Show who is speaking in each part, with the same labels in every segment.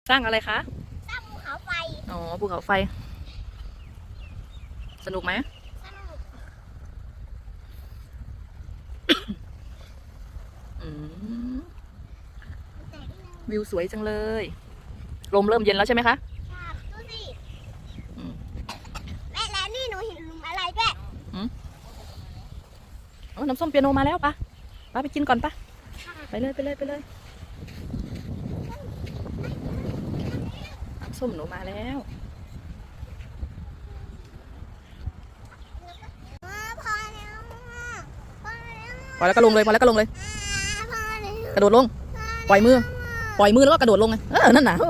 Speaker 1: สร้างอะไรคะ
Speaker 2: สร้างภูเขาไฟ
Speaker 1: อ๋อภูเขาไฟสนุกไหม
Speaker 2: สนุก
Speaker 1: วิวสวยจังเลยลมเริ่มเย็นแล้วใช่ไหมคะ
Speaker 2: ครับดูสิแม่แล้วนี่หนูเห็นหลุมอะไรด้วย
Speaker 1: น้ำส้มเปียโนมาแล้วปะไปกินก่อนปะไปเลยน้ำส้มหนูมาแล้ว
Speaker 2: พอแล้ว
Speaker 1: พอแล้วก็ลงเลยกระโดดลงปล่อยมือแล้วก็กระโดดลงไงนั่นน่ะโอ้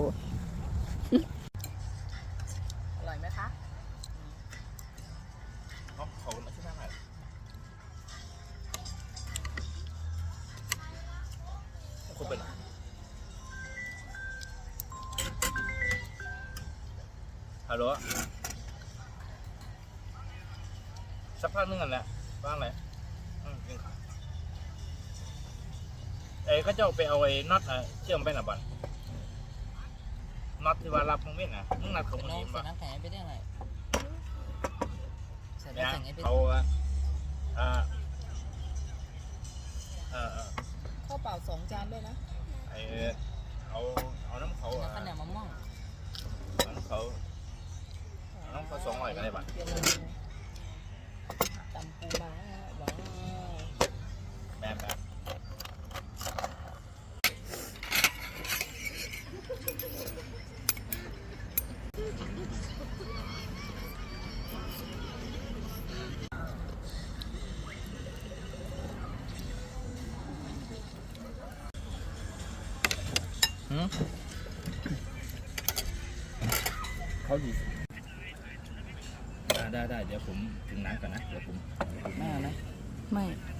Speaker 1: อร่อยไหมคะ
Speaker 3: เขาไม่ใช่ไหมคุณเป็นฮัลโหลสักพักนึงกันแหละว่างเลยก็จะไปเอาไอ้น็อตเชื่อมไปหน่ะบันน็อตที่ว่ารับมึงไม่น่ะมึงนัดเขามึงเองป่ะ
Speaker 4: น้ำแข็งไปได้ไงใส่
Speaker 3: เนี่ย
Speaker 4: น้ำแข็งไป
Speaker 3: เขา
Speaker 4: ข้าวเปล่า2 จานด้วยนะ
Speaker 3: เอาน้ำเขา
Speaker 4: ข้าวเหนียวมะม่วง
Speaker 3: น้ำเขา200กันได้ป่ะ
Speaker 4: ตำปูม้าว้าว
Speaker 3: แบบเขาดีได้เดี๋ยวผมถึงน้ำก่อนนะเดี๋ยวผม
Speaker 4: ไม่เอาไหม
Speaker 1: ไม่